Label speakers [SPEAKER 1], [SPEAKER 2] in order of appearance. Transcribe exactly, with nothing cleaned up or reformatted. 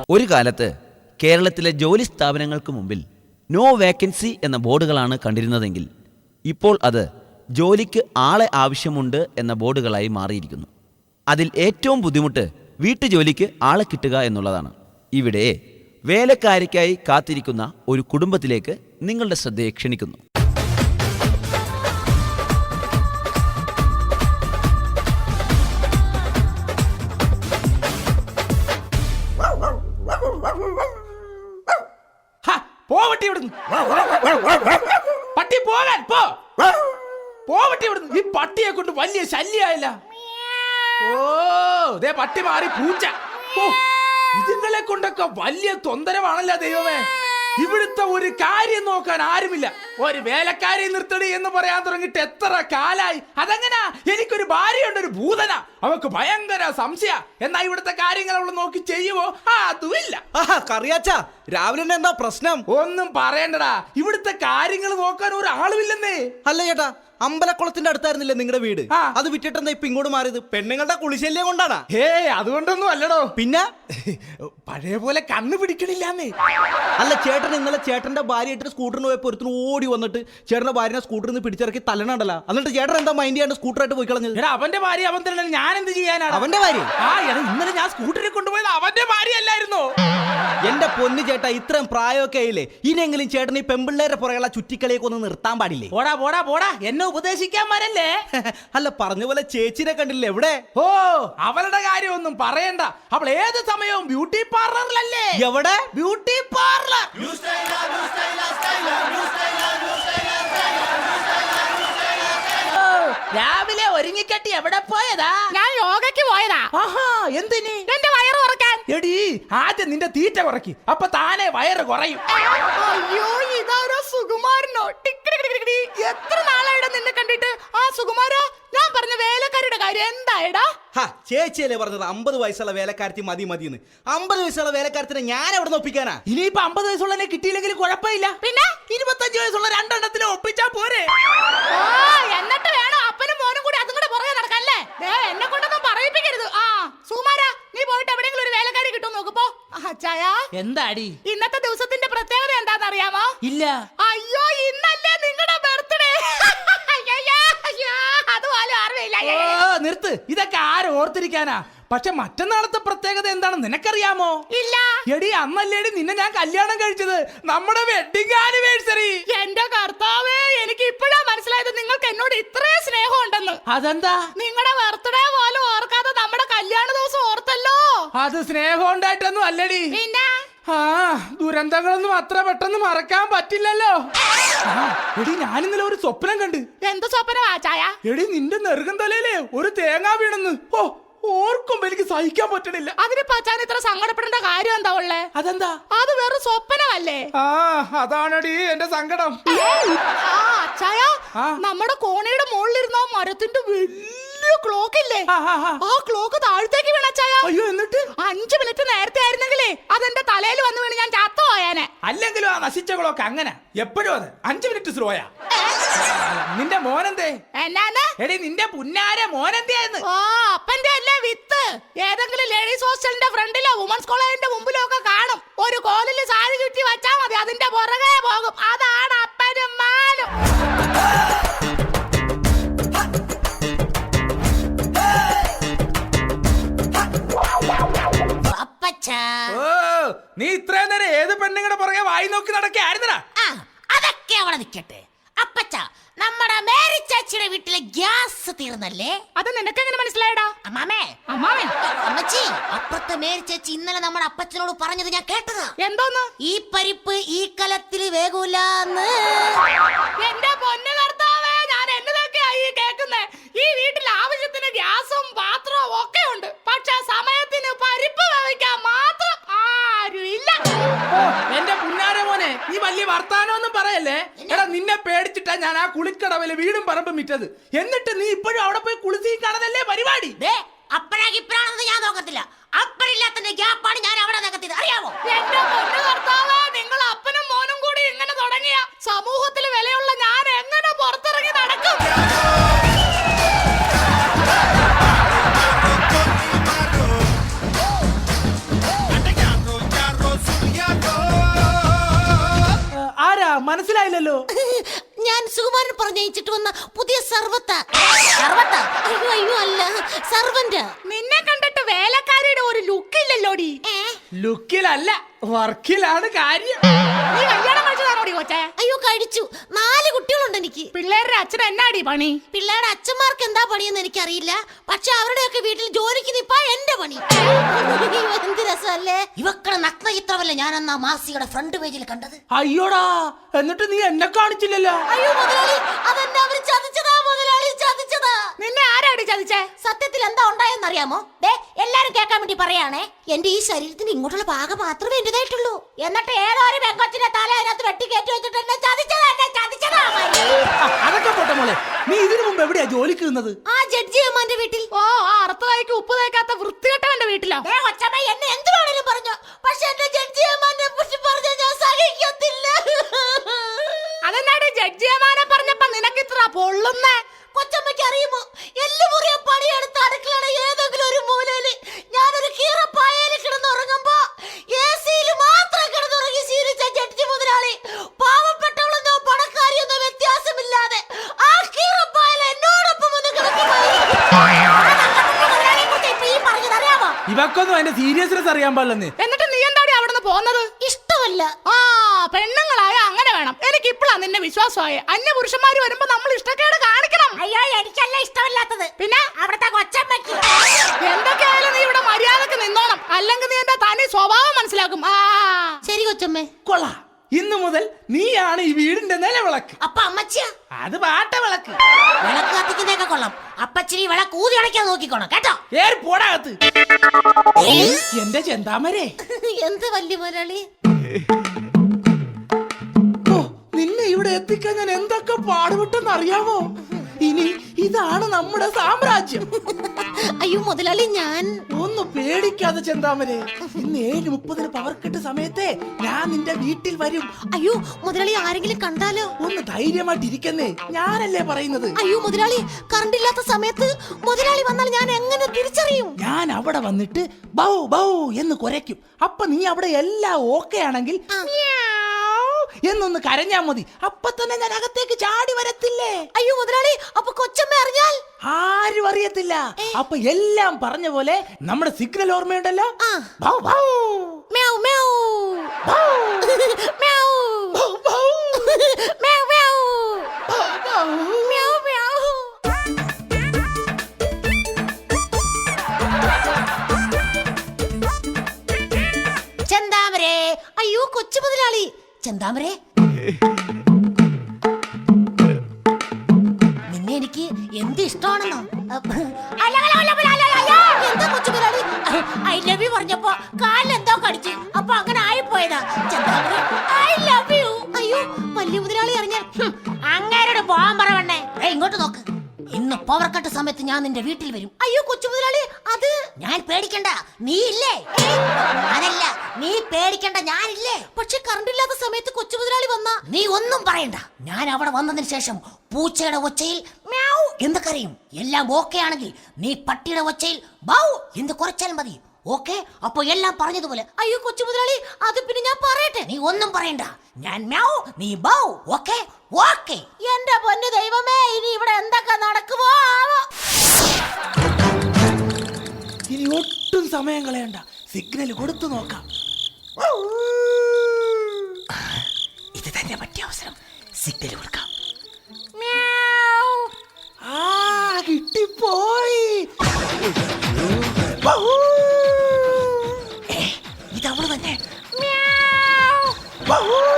[SPEAKER 1] ഒരു കാലത്ത് കേരളത്തിലെ ജോലി സ്ഥാപനങ്ങൾക്ക് മുമ്പിൽ നോ വേക്കൻസി എന്ന ബോർഡുകളാണ് കണ്ടിരുന്നതെങ്കിൽ ഇപ്പോൾ അത് ജോലിക്ക് ആളെ ആവശ്യമുണ്ട് എന്ന ബോർഡുകളായി മാറിയിരിക്കുന്നു. അതിൽ ഏറ്റവും ബുദ്ധിമുട്ട് വീട്ടുജോലിക്ക് ആളെ കിട്ടുക എന്നുള്ളതാണ്. ഇവിടെ വേലക്കാരിക്കായി കാത്തിരിക്കുന്ന ഒരു കുടുംബത്തിലേക്ക് നിങ്ങളുടെ ശ്രദ്ധയെ ക്ഷണിക്കുന്നു.
[SPEAKER 2] പോവട്ടെ ഇവിടുന്ന്, പട്ടി പോകാൻ പോ, പോവട്ടെ ഇവിടുന്ന്. ഈ പട്ടിയെ കൊണ്ട് വലിയ ശല്യായില്ല. ഓ ദേ പട്ടി മാറി പൂച്ച. ഓ ഇതുങ്ങളെ കൊണ്ടൊക്കെ വലിയ തൊന്തരവാണല്ലോ ദൈവമേ. ഇവിടുത്തെ ഒരു കാര്യം നോക്കാൻ ആരുമില്ല. ഒരു വേലക്കാരി നിർത്തടി എന്ന് പറയാൻ തുടങ്ങിട്ട് എത്ര കാലായി. അതെങ്ങനാ? എനിക്കൊരു ഭാര്യയുണ്ട്, ഒരു ഭൂതന, അവക്ക് ഭയങ്കര സംശയ. എന്നാ ഇവിടുത്തെ കാര്യങ്ങൾ അവള് നോക്കി ചെയ്യുവോ? ആ അതുമില്ല.
[SPEAKER 3] കറിയാച്ചാ, രാവിലെ എന്താ പ്രശ്നം?
[SPEAKER 2] ഒന്നും പറയണ്ടടാ, ഇവിടുത്തെ കാര്യങ്ങൾ നോക്കാൻ ഒരാളുമില്ലെന്നേ.
[SPEAKER 3] അല്ല ചേട്ടാ, അമ്പലക്കുളത്തിന്റെ അടുത്തായിരുന്നില്ലേ നിങ്ങളുടെ വീട്? അത് വിറ്റിട്ടെന്താ ഇപ്പൊ ഇങ്ങോട്ട് മാറിയത്? പെണ്ണുങ്ങളുടെ കുളിശല്യം കൊണ്ടാണ്?
[SPEAKER 2] ഹേ അതുകൊണ്ടൊന്നും അല്ലടോ.
[SPEAKER 3] പിന്നെ
[SPEAKER 2] പഴയ പോലെ കണ്ണു പിടിക്കണില്ലാന്നേ.
[SPEAKER 3] അല്ല ചേട്ടൻ ഇന്നലെ ചേട്ടന്റെ ഭാര്യ ഇട്ട് സ്കൂട്ടറിന് പോയപ്പോ ഒരുത്തിന് ഓടി വന്നിട്ട് ചേട്ടന്റെ ഭാര്യനെ സ്കൂട്ടറിൽ നിന്ന് പിടിച്ചിറക്കി തല്ലണണ്ടല്ലോ. എന്നിട്ട് ചേട്ടൻ എന്താ മൈൻഡ് ചെയ്യാണ്ട് സ്കൂട്ടറായിട്ട് പോയി കളഞ്ഞത്?
[SPEAKER 2] എടാ അവന്റെ ഭാര്യ അവൻ തന്നെ, ഞാൻ എന്ത് ചെയ്യാനാണ്?
[SPEAKER 3] അവന്റെ ഭാര്യ?
[SPEAKER 2] ആ എടാ ഇന്നലെ ഞാൻ സ്കൂട്ടറിൽ കൊണ്ടുപോയത് അവന്റെ ഭാര്യ അല്ലായിരുന്നോ?
[SPEAKER 3] എന്റെ പൊന്നു ചേട്ടാ, ഇത്രയും പ്രായമൊക്കെ ആയില്ലേ, ഇനിയെങ്കിലും ചേട്ടൻ ഈ പെമ്പിള്ളേരെ പുറകെയുള്ള ചുറ്റിക്കളിയൊക്കെ ഒന്ന് നിർത്താൻ പാടില്ലേ?
[SPEAKER 2] പോടാ പോടാ പോടാ, എന്നെ ഉപദേശിക്കാൻ വരല്ലേ.
[SPEAKER 3] അല്ല പറഞ്ഞ പോലെ ചേച്ചിനെ കണ്ടില്ലേ എവിടെ?
[SPEAKER 2] ഓ അവളുടെ കാര്യം ഒന്നും പറയണ്ട. അവൾ ഏത് സമയവും ബ്യൂട്ടി പാർലറിലല്ലേ.
[SPEAKER 3] എവിടെ?
[SPEAKER 2] Beauty parlour. രാവിലെ ഒരുങ്ങിക്കെട്ടി എവിടെ പോയതാ?
[SPEAKER 4] ഞാൻ യോഗയ്ക്ക് പോയതാ.
[SPEAKER 2] ആഹാ എന്തിന്?
[SPEAKER 4] എന്റെ വയറ് കുറക്കാൻ.
[SPEAKER 2] എടി ആദ്യം നിന്റെ തീറ്റ കുറയ്ക്ക്, അപ്പൊ താനെ വയറ് കുറയും.
[SPEAKER 4] അയ്യോ ഇതാരോ സുകുമാരനോ? എത്ര നാളായിടാ നിന്നെ കണ്ടിട്ട്. ആ സുകുമാര, ഞാൻ പറഞ്ഞ വേലക്കാരുടെ കാര്യം എന്തായടാ?
[SPEAKER 3] ചേച്ചിയല്ലേ പറഞ്ഞത് അമ്പത് വയസ്സുള്ള വേലക്കാരത്തി മതി മതിന്ന്. അമ്പത് വയസ്സുള്ള വേലക്കാരത്തിനെ ഞാൻ എവിടെ നിന്ന് ഒപ്പിക്കാനാ?
[SPEAKER 2] ഇനിയിപ്പൊ അമ്പത് വയസ്സുള്ളതിനെ കിട്ടിയില്ലെങ്കിൽ കുഴപ്പമില്ല.
[SPEAKER 4] പിന്നെ
[SPEAKER 2] ഇരുപത്തഞ്ച് വയസ്സുള്ള രണ്ടെണ്ണത്തിനെ ഒപ്പിച്ചാ പോരെ.
[SPEAKER 4] എന്നിട്ട് വേണം അപ്പനും മോനും കൂടി അതും കൂടെ പുറകെ നടക്കല്ലേ? എന്നെ കൊണ്ടൊന്നും പറയിപ്പിക്കരുത്. ആ സുകുമാര, നീ പോയിട്ട് എവിടെയെങ്കിലും ഒരു വേലക്കാരി കിട്ടും നോക്കുമ്പോ. അച്ചായാ
[SPEAKER 2] എന്താടി
[SPEAKER 4] ഇന്നത്തെ ദിവസത്തിന്റെ പ്രത്യേകത എന്താന്ന് അറിയാമോ?
[SPEAKER 2] ഇല്ല.
[SPEAKER 4] അയ്യോ ഇന്നല്ലേ നിങ്ങളുടെ ബർത്ത്ഡേ. അതുപോലെ അറിയില്ല.
[SPEAKER 2] നിർത്ത്, ഇതൊക്കെ ആരും ഓർത്തിരിക്കാനാ. പക്ഷെ മറ്റന്നാളത്തെ പ്രത്യേകത എന്താണെന്ന് നിനക്കറിയാമോ?
[SPEAKER 4] ഇല്ല.
[SPEAKER 2] എടി അന്നല്ലേടി നിന്നെ ഞാൻ കല്യാണം കഴിച്ചത്, നമ്മുടെ വെഡിങ് ആനിവേഴ്സറി.
[SPEAKER 4] എന്റെ കർത്താവേ, എനിക്ക് ഇപ്പോഴാ മനസ്സിലായത് നിങ്ങൾക്ക് എന്നോട് ഇത്രയും സ്നേഹം ഉണ്ടെന്ന്.
[SPEAKER 2] അതെന്താ?
[SPEAKER 4] നിങ്ങളുടെ ബർത്ത്ഡേ പോലും ഓർക്കാതെ നമ്മുടെ കല്യാണ ദിവസം ഓർത്തല്ലോ.
[SPEAKER 2] അത് സ്നേഹം ഉണ്ടായിട്ടൊന്നും അല്ലടി.
[SPEAKER 4] പിന്നെ
[SPEAKER 2] ആ ദുരന്തങ്ങളൊന്നും അത്ര പെട്ടെന്ന് മറക്കാൻ പറ്റില്ലല്ലോ. എടി ഞാനിന്നലെ ഒരു സ്വപ്നം കണ്ട്.
[SPEAKER 4] എന്ത് സ്വപ്നമാ ചായ?
[SPEAKER 2] എടി നിന്റെ നെറുകം തലയിലേ ഒരു തേങ്ങ വീണെന്ന്. ഓ ഓർക്കുമ്പോ എനിക്ക് സഹിക്കാൻ പറ്റണില്ല.
[SPEAKER 4] അതിന് പച്ചാൻ ഇത്ര സങ്കടപ്പെടേണ്ട കാര്യം എന്താ ഉള്ളേ?
[SPEAKER 2] അതെന്താ?
[SPEAKER 4] അത് വെറും സ്വപ്നമല്ലേ?
[SPEAKER 2] ആ അതാണടി എന്റെ സങ്കടം.
[SPEAKER 4] അച്ചായ, നമ്മുടെ കോണയുടെ മുകളിലിരുന്ന മരത്തിന്റെ വലിയ ക്ലോക്ക് ഇല്ലേ, ആ ക്ലോക്ക് താഴത്തേക്ക് വീണച്ചായ.
[SPEAKER 2] അയ്യോ എന്നിട്ട്?
[SPEAKER 4] അഞ്ചു മിനിറ്റ് നേരത്തെ ആയിരുന്നെങ്കിലേ അതെന്റെ തലയിൽ വന്ന് വീണ് ഞാൻ ചത്തു പോയാനെ.
[SPEAKER 2] അല്ലെങ്കിലും ആ നശിച്ച ക്ലോക്ക് അങ്ങനെ എപ്പോഴും അത് അഞ്ചു മിനിറ്റ് സ്ലോയാ. നിന്റെ മോനെന്തേ?
[SPEAKER 4] എന്നാന്ന്?
[SPEAKER 2] എടി നിന്റെ പുന്നാരെ മോനെന്തേന്ന്?
[SPEAKER 4] ഓ അപ്പന്റെ അല്ലേ വിത്ത്. ഏതെങ്കിലും ലേഡീസ് ഹോസ്റ്റലിന്റെ ഫ്രണ്ടിലോ വുമൻസ് കോളേജിന്റെ മുമ്പിലോ ഒക്കെ കാണും. ഒരു കോലില് സാരി ചുറ്റി വച്ചാ മതി, അതിന്റെ പുറകെ പോകും. അതാണ് അപ്പനും മാനും.
[SPEAKER 2] ഓ നീ ഇത്രയും നേരം ഏത് പെണ്ണുങ്ങളുടെ പുറകെ വായി നോക്കി നടക്കായിരുന്നടാ?
[SPEAKER 5] അതൊക്കെ അവിടെ നിൽക്കട്ടെ. അപ്പച്ച, നമ്മുടെ മേരി ചേച്ചിയുടെ വീട്ടിലെ ഗ്യാസ് തീർന്നല്ലേ?
[SPEAKER 4] അത് നിനക്ക് എങ്ങനെ മനസ്സിലായടാ?
[SPEAKER 5] അമ്മാമേ,
[SPEAKER 4] അമ്മാമേ,
[SPEAKER 5] അമ്മച്ചി, അപ്പുറത്തെ മേരി ചേച്ചി ഇന്നലെ നമ്മുടെ അപ്പച്ചനോട് പറഞ്ഞത് ഞാൻ കേട്ടതാ.
[SPEAKER 4] എന്തോന്ന്?
[SPEAKER 5] ഈ പരിപ്പ് ഈ കലത്തിൽ വേഗൂലെന്ന്.
[SPEAKER 4] എന്റെ പൊന്നു കർത്താവേ, ഞാൻ എന്നതൊക്കെയായി കേൾക്കുന്നേ. ഈ വീട്ടിൽ ആവശ്യത്തിന് ഗ്യാസും പാത്രവും ഒക്കെ ഉണ്ട്, പക്ഷെ സമയത്തിന് പരിപ്പ് വേവിക്കാൻ മാത്രം ആരും ഇല്ല.
[SPEAKER 2] എന്റെ പുന്നാരെ മോനെ, നീ വലിയ വർത്താനൊന്നും പറയല്ലേ. എടാ നിന്നെ പേടിച്ചിട്ടാ ഞാൻ ആ കുളിക്കടവില് വീടും പറമ്പും വിറ്റത്. എന്നിട്ട് നീ ഇപ്പോഴും അവിടെ പോയി കുളിസീ കാണതല്ലേ പരിപാടി.
[SPEAKER 5] അപ്പഴാകിപ്പഴാണെന്ന് ഞാൻ നോക്കത്തില്ല. അപ്പഴില്ലാത്തന്റെ ഗ്യാപ്പാണ് ഞാൻ അവിടെ നികത്തിയത്, അറിയാമോ?
[SPEAKER 4] എന്റെ പൊന്നു കർത്താവേ, നിങ്ങൾ അപ്പനും മോനും കൂടി ഇങ്ങനെ തുടങ്ങിയ സമൂഹത്തിൽ വിലയുള്ള ഞാൻ എങ്ങനെ പുറത്തിറങ്ങി നടക്കും?
[SPEAKER 2] മനസ്സിലായില്ലല്ലോ.
[SPEAKER 5] ഞാൻ സുകുമാരൻ പറഞ്ഞയച്ചിട്ട് വന്ന പുതിയ സർവത്ത സർവത്ത അയ്യോ അയ്യോ അല്ല സർവന്റ്.
[SPEAKER 4] നിന്നെ കണ്ടിട്ട് വേലക്കാരിയുടെ ഒരു ലുക്ക് ഇല്ലല്ലോടി.
[SPEAKER 2] ലുക്കിലല്ല വർക്കിലാണ് കാര്യം.
[SPEAKER 4] നീ കല്യാണം കഴിച്ചതാണോടി കൊച്ചേ?
[SPEAKER 5] അയ്യോ കഴിച്ചു. നാല് കുട്ടികളുണ്ട് എനിക്ക്.
[SPEAKER 4] പിള്ളേരുടെ അച്ഛൻ എന്നാടി പണി?
[SPEAKER 5] പിള്ളേരുടെ അച്ഛന്മാർക്ക് എന്താ പണിയെന്ന് എനിക്കറിയില്ല. പക്ഷെ അവരുടെയൊക്കെ വീട്ടിൽ ജോലിക്ക് നിപ്പാ എന്റെ പണി. എന്ത് രസമല്ലേ. ഇവക്കടെ നഗ്ന ചിത്രമല്ലേ ഞാൻ അന്ന് ആ മാസികയുടെ ഫ്രണ്ട് പേജിൽ കണ്ടത്.
[SPEAKER 2] അയ്യോടാ, എന്നിട്ട് നീ എന്നെ കാണിച്ചില്ലല്ലോ.
[SPEAKER 5] അയ്യോ മുതലാളി, അതെന്നെ അവര് ചതിച്ചതാ മുതലാളി, ചതിച്ചതാ.
[SPEAKER 4] നിന്നെ ആരാടി ചതിച്ചേ?
[SPEAKER 5] സത്യത്തിൽ എന്താ ഉണ്ടായെന്നറിയാമോ? ദേ എല്ലാരും കേൾക്കാൻ വേണ്ടി പറയാണേ. എന്റെ ഈ ശരീരത്തിന് ഇങ്ങോട്ടുള്ള ഭാഗം മാത്രമേ എന്റേതായിട്ടുള്ളൂ. എന്നിട്ട് ഏതോ ഒരു പെങ്കൊച്ചിന്റെ തല അതിനകത്ത് വെട്ടി കയറ്റി വെച്ചിട്ട് എന്നെ ചതിച്ചതാ, എന്നെ ചതിച്ചതാ.
[SPEAKER 2] അതൊക്കെ പോട്ടെ മോളെ, നീ ഇതിനു മുമ്പ് എവിടെയാ ജോലിക്ക് നിന്നത്?
[SPEAKER 5] ആ ജഡ്ജി അമ്മാന്റെ വീട്ടിൽ.
[SPEAKER 4] ഓ, ആ അർത്ഥമായിക്ക് ഉപ്പ് തേക്കാത്ത വൃത്തികെട്ടവന്റെ വീട്ടിലോ?
[SPEAKER 5] ദേ കൊച്ചമ്മ, എന്നെ എന്ത് വേണേലും പറഞ്ഞോ, പക്ഷെ എന്റെ ജഡ്ജി അമ്മാനെ കുറിച്ച് പറഞ്ഞ ഞാൻ സഹിക്കത്തില്ല.
[SPEAKER 4] അതെന്നാടി ജഡ്ജിയമാനെ പറഞ്ഞപ്പോ നിനക്ക് ഇത്ര പൊള്ളുന്നേ?
[SPEAKER 5] കൊച്ചമ്മയ്ക്ക് അറിയുമോ, എല്ലുമുറിയ പണിയെടുത്ത് അടുക്കളയുടെ ഏതെങ്കിലും ഒരു മൂലയില് ഞാനൊരു കീറപ്പായയിൽ കിടന്നുറങ്ങുമ്പോ എ സിയിൽ മാത്രം കിടന്നുറങ്ങി ശീലിച്ച ജഡ്ജി മുതലാളി പാവപ്പെട്ടവളെന്നോ പണക്കാരിയെന്നോ വ്യത്യാസമില്ലാതെ ആ കീറപ്പായൽ എന്നോടൊപ്പം ഒന്ന് കിടക്കുമായിരുന്നു.
[SPEAKER 2] ഇവക്കൊന്നും അതിന്റെ സീരിയസ്നെസ് അറിയാൻ പാടില്ലെന്ന്.
[SPEAKER 4] എന്നിട്ട് നീ എന്താടി അവിടുന്ന് പോന്നത്?
[SPEAKER 5] ഇഷ്ടമല്ല.
[SPEAKER 4] ആ, പെണ്ണുങ്ങളായ അങ്ങനെ വേണം. എനിക്ക് ഇപ്പഴാ നിന്നെ വിശ്വാസമായ. അന്യ പുരുഷന്മാര് വരുമ്പോ നമ്മൾ ഇഷ്ടക്കേട് കാണിക്കണം.
[SPEAKER 5] അയ്യോ, എനിക്കല്ല ഇഷ്ടമല്ലാത്തത്,
[SPEAKER 4] പിന്നെ
[SPEAKER 5] അവിടുത്തെ കൊച്ചമ്മയ്ക്ക്.
[SPEAKER 4] എന്തൊക്കെയായാലും നീ ഇവിടെ മര്യാദക്ക് നിന്നോണം, അല്ലെങ്കിൽ നീ എന്റെ തനി സ്വഭാവം മനസ്സിലാക്കും. ആ
[SPEAKER 5] ശരി കൊച്ചമ്മേ.
[SPEAKER 2] കൊള്ളാ, ഇന്നു മുതൽ നീയാണ് ഈ വീടിന്റെ നിലവിളക്ക്.
[SPEAKER 5] അപ്പൊ അമ്മച്ചിയാ?
[SPEAKER 2] അത് പാട്ട വിളക്ക്.
[SPEAKER 5] വിളക്ക് കത്തിക്കുന്നതൊക്കെ കൊള്ളാം. അപ്പച്ചിരി വിളക്ക് ഊതി അടയ്ക്കാൻ നോക്കിക്കോണം കേട്ടോ.
[SPEAKER 2] ഏറി പോടാകത്ത്. എന്റെ ചെന്താമരേ,
[SPEAKER 5] എന്ത് വലിയ മുതലാളി.
[SPEAKER 2] ഓ, നിന്നെ ഇവിടെ എത്തിക്കാൻ ഞാൻ എന്തൊക്കെ പാടുപെട്ടെന്ന് അറിയാമോ? ഇനി ഇതാണ് നമ്മുടെ സാമ്രാജ്യം.
[SPEAKER 5] അയ്യോ മുതലാളി, ഞാൻ
[SPEAKER 2] ഒന്ന് പേടിക്കാതെ ചെന്താമരേ, ഇന്ന് ഏഴ് മുപ്പതിന് പവർ കെട്ട് സമയത്തെ ഞാൻ നിന്റെ വീട്ടിൽ വരും.
[SPEAKER 5] അയ്യോ മുതലാളി, ആരെങ്കിലും കണ്ടാലോ?
[SPEAKER 2] ഒന്ന് ധൈര്യമായിട്ടിരിക്കുന്നേ, ഞാനല്ലേ പറയുന്നത്.
[SPEAKER 5] അയ്യോ മുതലാളി, കറണ്ട് ഇല്ലാത്ത സമയത്ത് മുതലാളി വന്നാൽ ഞാൻ എങ്ങനെ തിരിച്ചറിയും?
[SPEAKER 2] ഞാൻ അവിടെ വന്നിട്ട് ബൗ ബൗ എന്ന് കുരയ്ക്കും. അപ്പൊ നീ അവിടെ എല്ലാം ഓക്കെ ആണെങ്കിൽ എന്നൊന്ന് കരഞ്ഞാ മതി. അപ്പൊ തന്നെ ഞാൻ അകത്തേക്ക് ചാടി വരത്തില്ലേ?
[SPEAKER 5] അയ്യോ മുതലാളി, അപ്പൊ കൊച്ചമ്മ അറിഞ്ഞാൽ?
[SPEAKER 2] ആരും അറിയത്തില്ല. അപ്പൊ എല്ലാം പറഞ്ഞ പോലെ നമ്മുടെ സിഗ്നൽ ഓർമ്മയുണ്ടല്ലോ.
[SPEAKER 5] ആ.
[SPEAKER 2] Bow bow
[SPEAKER 5] meow meow
[SPEAKER 2] bow
[SPEAKER 5] meow
[SPEAKER 2] bow bow
[SPEAKER 5] meow meow
[SPEAKER 2] bow bow.
[SPEAKER 5] Meow meow. ചെന്താമരേ, അയ്യോ കൊച്ചു മുതലാളി. ചെന്താമരേ, നിന്നെ എനിക്ക് എന്ത് ഇഷ്ടമാണെന്നോ. എന്താ കൊച്ചു മുതലാളി? ഐ ലവ് യു പറഞ്ഞപ്പോ കാലിൽ എന്തോ കടിച്ച്, അപ്പൊ അങ്ങനെ ആയിപ്പോയതാ. ചെന്താമരേ, ഐ ലവ് യു. അയ്യോ, വലിയ മുതലാളി അറിഞ്ഞാൽ അങ്ങേരോട് പോവാൻ പറവണ്ണേ. ഇങ്ങോട്ട് നോക്ക്, ഇന്ന് പവർ കട്ട് സമയത്ത് ഞാൻ നിന്റെ വീട്ടിൽ വരും. അയ്യോ കൊച്ചു മുതലാളി, അത് ഞാൻ പേടിക്കണ്ട, നീ ഇല്ലേ? അതല്ല, നീ പേടിക്കണ്ട, ഞാനില്ലേ? പക്ഷെ കറണ്ട് ഇല്ലാത്ത സമയത്ത് കൊച്ചു മുതലാളി വന്നാ നീ ഒന്നും പറയണ്ട. ഞാൻ അവിടെ വന്നതിന് ശേഷം പൂച്ചയുടെ ഒച്ചയിൽ മ്യാവ് എന്ന് കരയും. എല്ലാം ഓക്കെ ആണെങ്കിൽ നീ പട്ടിയുടെ ഒച്ചയിൽ ബൗ എന്ന് കുറച്ചാൽ മതി. ഓക്കെ, അപ്പൊ എല്ലാം പറഞ്ഞതുപോലെ. അയ്യോ കൊച്ചു മുതലാളി, അത് പിന്നെ ഞാൻ പറയട്ടെ? നീ ഒന്നും പറയണ്ട, ഞാൻ മ്യാവ്, നീ ബൗ. Okay okay. എന്റെ പൊന്നു ദൈവമേ, ഇനി ഇവിടെ എന്തൊക്കെ നടക്കുമോ ആവോ.
[SPEAKER 2] ഇനി ഒട്ടും സമയം കളയണ്ട, സിഗ്നൽ കൊടുത്തു നോക്കാം. ഇത് തന്നെ പറ്റിയ അവസരം, സിഗ്നൽ കൊടുക്കാം. ആ, കിട്ടിപ്പോയി. ഇതവള് തന്നെ.